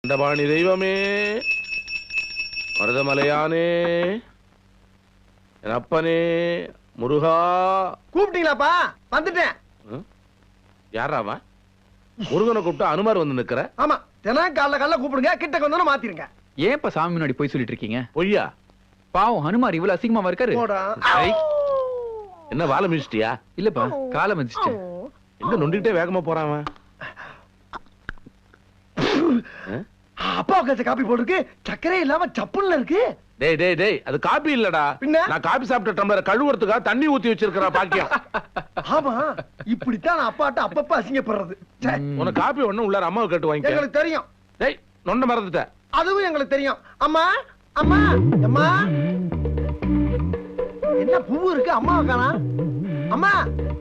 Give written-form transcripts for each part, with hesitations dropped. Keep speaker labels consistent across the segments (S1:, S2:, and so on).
S1: தண்டபாணி தெய்வமே, மருதமலையானே, என் அப்பனே, முருகா.
S2: கூப்பிட்டீங்களாப்பா? வந்துட்டேன்.
S1: யாராவா? முருகனை கூப்பிட்டு அனுமார் வந்து நிக்கிற?
S2: ஆமா, தினம் காலைல கூப்பிடுங்க, கிட்ட வந்து மாத்திருங்க.
S3: ஏன்ப்பா சாமி முன்னாடி போய் சொல்லிட்டு இருக்கீங்க?
S1: பொய்யா?
S3: பாவம் ஹனுமார் இவ்வளவு அசிங்கமா இருக்காரு.
S1: என்ன வாழை மிதிச்சிட்டியா?
S3: இல்லப்பா, காலை மிதிச்சிட்டேன்.
S1: எங்க நொண்டிக்கிட்டே வேகமா போறான்?
S2: அப்பா உட்காந்து காப்பி போட்டுருக்கு, சக்கரே இல்லாம சப்புல்ல இருக்கு.
S1: டேய் டேய் டேய், அது காபி இல்லடா.
S2: பின்ன
S1: நான் காபி சாப்பிட்ட டம்ளர் கழுவுறதுக்காக தண்ணி ஊத்தி வச்சிருக்கற பாக்கியம்.
S2: ஆமா, இப்படித்தான் நான் அப்பாட்ட அப்பப்ப அசிங்கப்படுறது.
S1: உனக்கு காபி ஒண்ணு உள்ள அம்மாவை கேட்டு வாங்கிக்க.
S2: எங்களுக்கு தெரியும்.
S1: டேய், நொண்ட மறந்துட்ட.
S2: அதுவும் எங்களுக்கு தெரியும். அம்மா அம்மா அம்மா, என்ன பூ இருக்கு அம்மாவை காணா? அம்மா,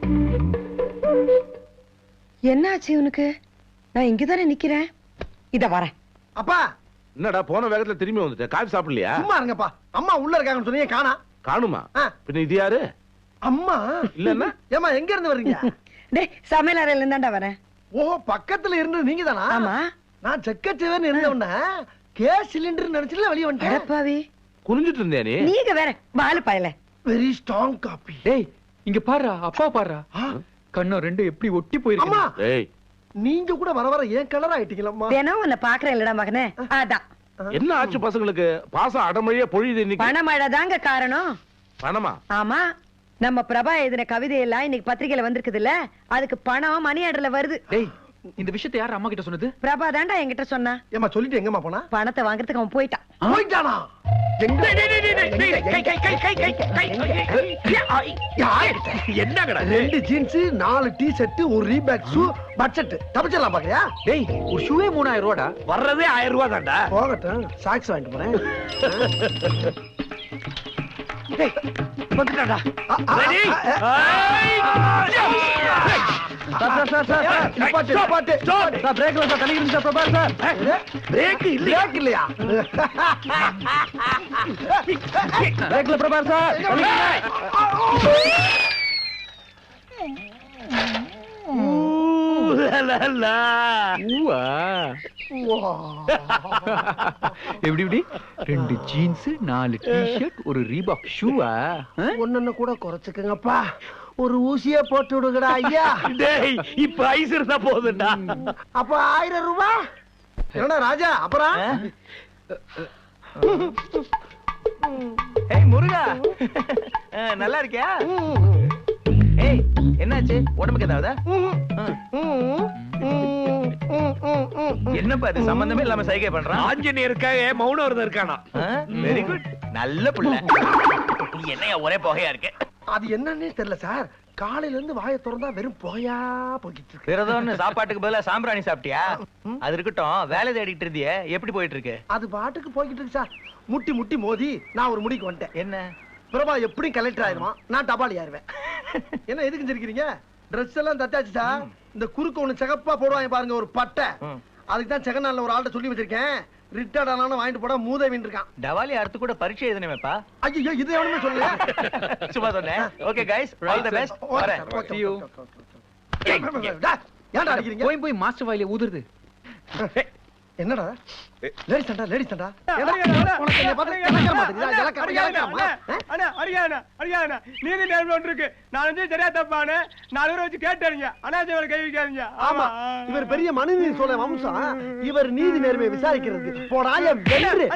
S4: என்னாச்சு உனக்கு? நான் இங்கதானே நிக்கிறேன். இத வரேன்.
S2: அப்பா.
S1: என்னடா போன வேகத்துல திரும்பி வந்துட்டேன். காபி சாப்பிடலையா?
S2: சும்மா இருங்கப்பா. அம்மா உள்ள இருக்காங்கன்னு சொன்னீங்க, காணா.
S1: காணுமா? பின்ன இது யாரு?
S2: அம்மா
S1: இல்லன்னா?
S2: ஏமா எங்க இருந்து வர்றீங்க?
S4: டேய், சமையல் அறையில இருந்தாண்டா வரேன்.
S2: ஓ, பக்கத்துல இருந்து நீங்க தானா?
S4: ஆமா.
S2: நான் செக்கச்சேவன் இருந்தவன கேஸ் சிலிண்டர் நினைச்சுல வெளிய வந்துட்டேன்.
S4: அடப்பாவி,
S1: குனிஞ்சிட்டு இருந்தியா நீ?
S4: நீங்க வேற பாலு பயல.
S2: Very strong coffee.
S3: டேய், இங்க பாருடா, அப்பா பாருடா. கண்ணம் ரெண்டு எப்படி ஒட்டி போயிருக்கு.
S2: அம்மா,
S1: டேய்,
S2: நீங்க கூட வர வர ஏன் கலர் ஆயிட்டீங்களா?
S4: தினம் உன்னை பாக்குறேன் இல்லடா மகனே. அதான்.
S1: என்ன ஆச்சு பசங்களுக்கு? பாசம் அடமழியா பொழியுது இன்னைக்கு.
S4: பணமழை தாங்க காரணம்.
S1: பணமா?
S4: ஆமா, நம்ம பிரபா எழுதின கவிதை எல்லாம் இன்னைக்கு பத்திரிகையில வந்திருக்குது இல்ல, அதுக்கு பணம் மணி ஆர்டர்ல வருது.
S3: டேய், இந்த விஷயத்தை யார் அம்மா கிட்ட சொன்னது?
S4: பிரபா தாண்டா என்கிட்ட சொன்னா.
S2: ஏமா சொல்லிட்டு எங்கம்மா போனா?
S4: பணத்தை வாங்குறதுக்கு அவன் போயிட்டான்.
S2: போயிட்டானா?
S1: என்னங்கடா?
S2: 2 ஜீன்ஸ், 4 டி-ஷர்ட், ஒரு ரீபேக் ஷூ, பட்ஜெட் தப்பிச்சிடலாம் பாக்குறியா?
S3: டேய், ஒரு ஷூவே 3000 ரூபாடா.
S1: வர்றதே 1000 ரூபாய் தான்டா.
S2: போகட்டும், சாக்ஸ் வாங்கிட்டு போறேன்.
S1: வந்துட்டாடா.
S3: எப்படி எப்படி 2 ஜீன்ஸ், 4 டி-ஷர்ட், ஒரு ரீபாக் ஷூவா?
S2: ஒன்னு கூட குறைச்சுக்கங்கப்பா. ஒரு ஊசியே போட்டு விடுங்கடா ஐயா.
S1: டேய், இப்ப ஐஸ் இருந்தா போதும்டா.
S2: அப்ப 1000 ரூபாய். என்னடா ராஜா, அப்புறம்?
S5: ஏய் முருகா, நல்லா இருக்கியா? ஏய், என்னாச்சு? உடம்புக்கு ஏதாவது? என்னப்பா இது சம்பந்தமே இல்லாம சைகை பண்றான்?
S1: ஆஞ்சநேயருக்காக மௌன விரதம் இருக்கானா?
S5: வெரி குட், நல்ல புள்ள. என்னையா ஒரே புகையா இருக்கு?
S2: அது என்னன்னே தெரியல சார். காலையில இருந்து வாயை திறந்தா வெறும் புகையா போய்கிட்டு இருக்கு.
S5: விரதம்னு சாப்பாட்டுக்கு பதிலா சாம்பிராணி சாப்பிட்டியா? அது இருக்கட்டும், வேலை தேடிட்டு இருந்தியே, எப்படி போயிட்டு இருக்கு?
S2: அது பாட்டுக்கு போய்கிட்டு இருக்கு சார். முட்டி முட்டி மோதி நான் ஒரு முடிக்கு வந்துட்டேன்.
S5: என்ன?
S2: பிரபா எப்படி கலெக்டர் ஆயிருவான், நான் டபாலி ஆயிருவேன். என்ன எதுக்கு சிரிக்கிறீங்க? ட்ரெஸ் எல்லாம் தச்சாச்சு சார். இந்த குறுக்கு ஒண்ணு சிகப்பா போடுவாங்க பாருங்க, ஒரு பட்டை. அதுக்கு தான் செகண்ட் ஹேண்ட்ல ஒரு ஆள்கிட்ட சொல்லி வச்சிருக்கேன். ரிட்டையர்ட் ஆனாலும் வாங்கிட்டு போட மூதேவின் இருக்கான்.
S5: டவாலி அடுத்து கூட பரீட்சை எழுதணுமேப்பா.
S2: ஐயோ, இது எவனுமே சொல்லல.
S5: சும்மா சொன்னேன். Okay guys, all the best. வரேன்.
S3: See you.
S2: ஏன்டா அடிக்கிறீங்க?
S3: போய் போய் மாஸ்டர் வாயில ஊதுறது.
S2: என்னடா லேடிஸ் தான்டா, லேடிஸ் தான்டா. உனக்கு என்ன பார்த்தா இலக்க மாட்டேங்குதா?
S6: நீதி நேர்மை ஒன்று இருக்கு. நான் வந்து சரியா தப்பானு 4 பேரை வச்சு கேட்டாருங்க. அனாஜிவரை கை வைக்காதீங்க.
S2: ஆமா, இவர் பெரிய மனுநீதி சோழ வம்சம். இவர் நீதி நேர்மையை விசாரிக்கிறதுக்கு போடாய வென்று.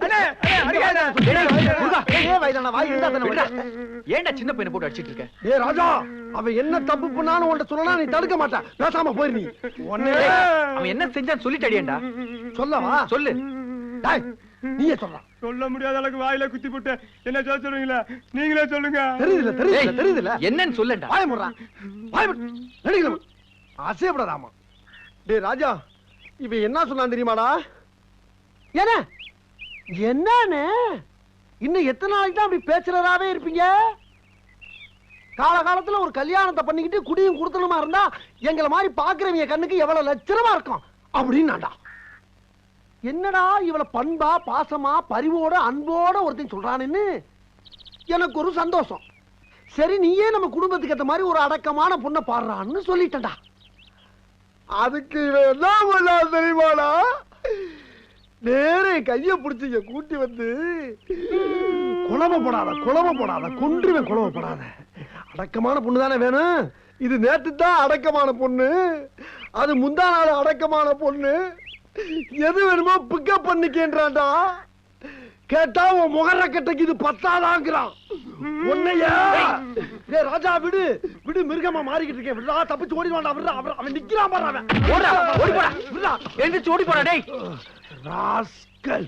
S3: ஏன்டா சின்ன பையனை போட்டு அடிச்சிட்டு இருக்க?
S2: ஏ ராஜா, அவன் என்ன தப்பு பண்ணாலும் உன்கிட்ட சொல்லலாம், நீ தடுக்க மாட்டான். பேசாம போயிரு. நீ
S3: அவன் என்ன செஞ்சான்னு சொல்லிட்டு அடியேன்டா.
S2: சொல்லவா?
S3: சொல்லு.
S2: நீயே சொல்லலாம்.
S6: சொல்ல முடியாத அளவுக்கு வாயில குத்தி போட்டு என்ன சொல்ல சொல்றீங்களா? நீங்களே சொல்லுங்க.
S2: தெரியுதுல, தெரியுதுல, தெரியுதுல.
S3: என்னன்னு சொல்லுடா.
S2: வாய முறா, வாய நடிக்கல. ஆசைப்படாதாமா. டேய் ராஜா, இவன் என்ன சொன்னான் தெரியுமாடா? என்ன என்னன்னு இன்னும் எத்தனை நாளைக்கு தான் அப்படி பேச்சுறதாவே இருப்பீங்க? காலகாலத்துல ஒரு கல்யாணத்தை பண்ணிக்கிட்டு குடியும் குடுத்தணுமா இருந்தா எங்களை மாதிரி பாக்குறவங்க கண்ணுக்கு எவ்வளவு லட்சணமா இருக்கும் அப்படின்னாடா. என்னடா இவ்வளவு பண்பா, பாசமா, பரிவோட, அன்போட ஒருத்தன் சொல்றான்னு எனக்கு ஒரு சந்தோஷம். சரி, நீயே நம்ம குடும்பத்துக்கு ஏற்ற மாதிரி ஒரு அடக்கமான பொண்ணை பாடுறான்னு சொல்லிட்டா. அதுக்கு என்ன தெரியுமாடா? நேரே கைய பிடிச்சிங்க கூட்டி வந்து குழம்ப போடாத கொன்றுவேன் குழம்ப போடாத. அடக்கமான பொண்ணு தானே வேணும். இது நேத்து தான் அடக்கமான பொண்ணு, அது முந்தா நாள் அடக்கமான பொண்ணு. எது வேணுமோ பிக்கப் பண்ணிக்கேன்றான்டா. கேட்டா உன் முகர கட்டைக்கு இது பத்தாதாங்கிறான். உன்னையா ராஜா விடு விடு, மிருகமா மாறிக்கிட்டு இருக்கேன். விடுறா, தப்பிச்சு ஓடிடுவான்டா. விடுறா, அவன் நிக்கிறான் பாரு. அவன் ஓடி போடா, விடுறா,
S3: எந்திரிச்சு ஓடி போடா டேய்.
S2: ராஸ்கல்.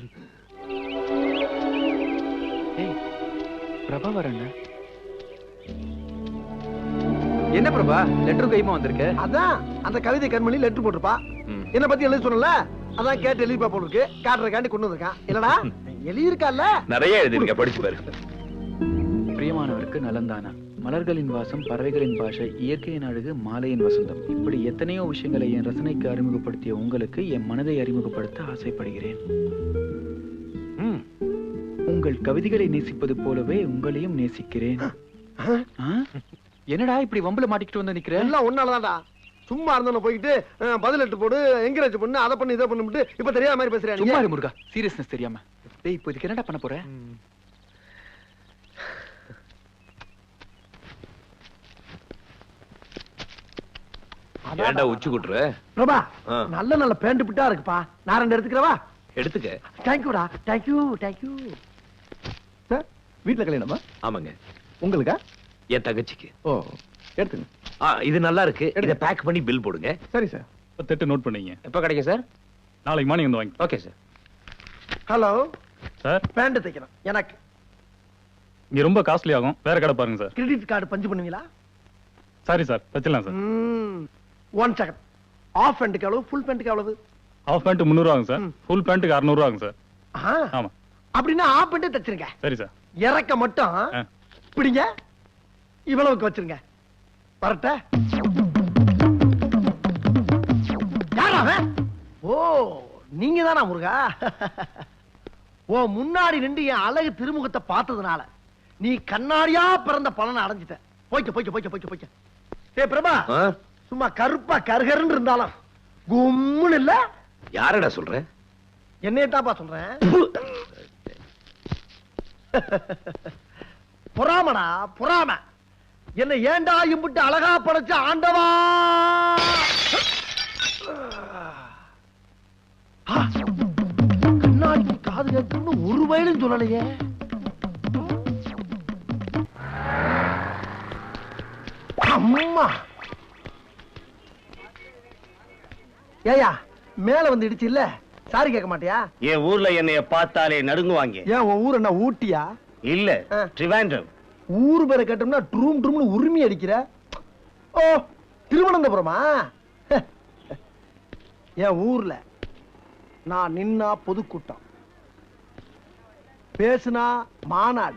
S3: ஏய் பிரபா வரங்க. என்ன பிரபா லெட்டர் கைமா வந்திருக்க?
S2: அதான் அந்த கவிதை கண்மணி லெட்டர் போட்டுருப்பா. என்ன பத்தி எழுதி சொன்னல, அதான் கேட்டு எழுதிப்பா போட்டுருக்கு. காட்டுறதுக்காண்டி கொண்டு வந்திருக்கான். இல்லடா எழுதி இருக்கா?
S1: நிறைய எழுதிருக்க, படிச்சு பாரு.
S3: பிரியமானவருக்கு நலந்தானா, மலர்களின் வாசம், பறவைகளின் பாஷை, இயற்கையின் அழகு, மாலையின் வசந்தம், இப்படி எத்தனையோ விஷயங்களை என் ரசனைக்கு அறிமுகப்படுத்திய உங்களுக்கு என் மனதை அறிமுகப்படுத்த ஆசைப்படுகிறேன். உங்கள் கவிதைகளை நேசிப்பது போலவே உங்களையும் நேசிக்கிறேன். என்னடா இப்படி வம்புல மாட்டிக்கிட்டு வந்து நிக்கிற?
S2: எல்லாம் ஒன்னாலதான்டா. சும்மா இருந்தவன போயிட்டு பதில் லெட்டர் போடு, என்கரேஜ் பண்ணு, அதை பண்ணு, இதை பண்ணு, இப்ப தெரியாத மாதிரி பேசுறேன்.
S3: சும்மா இரு முருகா, சீரியஸ்னஸ் தெரியாம. டேய் இப்போ இதுக்கு என்னடா பண்ண போற?
S1: ஏன்டா உச்சி குட்டுற?
S2: பிரபா நல்ல நல்ல பேண்ட் பிட்டா இருக்குப்பா. நான் 2 எடுத்துக்கிறவா?
S1: எடுத்துக்க.
S2: தேங்க்யூடா, தேங்க்யூ. சார் வீட்டுல கல்யாணமா?
S1: ஆமாங்க.
S2: உங்களுக்கா?
S1: என் தங்கச்சிக்கு.
S2: ஓ எடுத்துங்க.
S1: இது நல்லா இருக்கு. இதை பேக் பண்ணி பில் போடுங்க.
S2: சரி சார்.
S7: 38 நோட் பண்ணீங்க.
S1: எப்ப கிடைக்கும் சார்?
S7: நாளைக்கு மார்னிங் வந்து வாங்கி.
S1: Okay sir.
S2: Hello
S7: sir,
S2: pant தைக்கணும் எனக்கு.
S7: இங்க ரொம்ப காஸ்ட்லி ஆகும், வேற கடை பாருங்க சார்.
S2: கிரெடிட் கார்டு பஞ்சு பண்ணுவீங்களா?
S7: சாரி சார், வச்சிடலாம் சார்.
S2: 1 செகண்ட். ஆஃப் பேண்ட்டுக்கு எவ்வளவு, ஃபுல் பேண்ட்டுக்கு எவ்வளவு?
S7: ஹாஃப் பேண்ட் 300 ஆகும் சார், ஃபுல் பேண்ட்டுக்கு 600 ஆகும் சார். ஆமா.
S2: அப்படின்னா ஆஃப் பேண்ட்டே தச்சிருங்க.
S7: சரி சார்.
S2: இறக்க மட்டும் பிடிங்க, இவ்வளவுக்கு வச்சிருங்க. வரட்ட. யாரா அவன்? ஓ நீங்க தானா முருகா? ஓ முன்னாடி நின்று என் அழகு திருமுகத்தை பார்த்ததுனால நீ கண்ணாடியா பிறந்த பலனை அடைஞ்சிட்ட. போய்க்க. ஏ பிரபா, சும்மா கருப்பா கருகருன்னு இருந்தாலும் கும்முன்னு இல்ல.
S1: யாரடா சொல்ற?
S2: என்னையத்தாப்பா சொல்றேன். பொறாமடா பொறாம. என்ன ஏண்டா இம்புட்டு அழகா படைச்ச ஆண்டவா. கண்ணாடிக்கு காது கேட்கணும்னு ஒரு வயலும் சொல்லலையே. அம்மா ஏயா மேல வந்து இடிச்சு இல்ல, சாரி கேட்க மாட்டியா?
S8: என் ஊர்ல என்னைய பார்த்தாலே நடுங்குவாங்க.
S2: ஏன் உன் ஊர் என்ன ஊட்டியா?
S8: இல்ல, ட்ரிவாண்ட்ரம்.
S2: ஊர் பேரை கேட்டோம்னா ட்ரூம் உரிமை அடிக்கிற. ஓ திருவனந்தபுரமா? என் ஊர்ல நான் நின்னா பொதுக்கூட்டம், பேசுனா மாநாடு,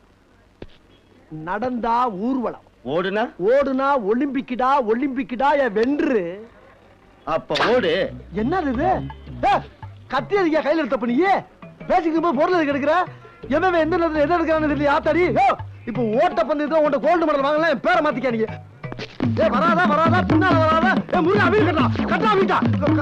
S2: நடந்தா ஊர்வலம், ஓடுனா ஒலிம்பிக்கிடா என் வென்று.
S8: அப்ப ஓடு.
S2: என்னது இது? கத்தி அடிக்க கையில எடுத்த பண்ணியே பேசிக்கு போது பொருள் எதுக்கு எடுக்கிற? எவன் எந்த நேரத்துல எதை எடுக்கிறான்னு தெரியல. ஆத்தாடி இப்ப ஓட்ட பந்தயத்துல உன்ட கோல்டு மெடல் வாங்கலாம், என் பேரை மாத்திக்கானீங்க. வராதா பின்னால வராதா. முருகா வீடு கட்டா வீட்டா.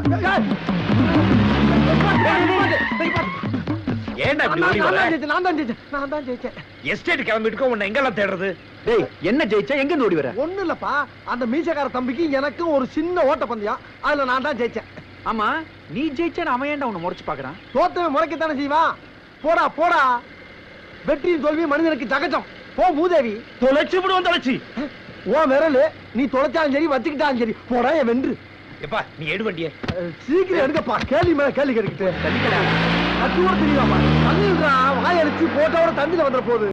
S1: ஏன்டா இப்படி ஓடி வர?
S2: நான் தான் ஜெயிச்சேன்.
S1: எஸ்டேட் கிளம்பிட்டு உன்னை எங்கெல்லாம் தேடுறது?
S3: டேய் என்ன ஜெயிச்சா எங்க இருந்து ஓடி வர?
S2: ஒண்ணு இல்லப்பா, அந்த மீசக்கார தம்பிக்கு எனக்கும் ஒரு சின்ன ஓட்ட பந்தயம், அதுல நான் தான் ஜெயிச்சேன்.
S3: ஆமா நீ ஜெயிச்சா அவன் ஏன்டா உன்னை முறைச்சு பாக்குறான்?
S2: தோத்தவன் முறைக்கத்தானே செய்வான். போடா வெற்றியும் தோல்வி மனிதனுக்கு சகஜம். போ மூதேவி.
S1: தொலைச்சு விடுவோம். தொலைச்சி
S2: ஓ விரலு நீ தொலைச்சாலும் சரி வச்சுக்கிட்டாலும் சரி. போடா என் வென்று.
S1: எப்பா நீ எடு வண்டிய.
S2: சீக்கிரம் எடுக்கப்பா. கேள்வி மேல கேள்வி கேட்டுக்கிட்டு கட்டி கூட தெரியாமா? தண்ணி வாயடிச்சு போட்டோட தண்ணியில வந்துட போகுது.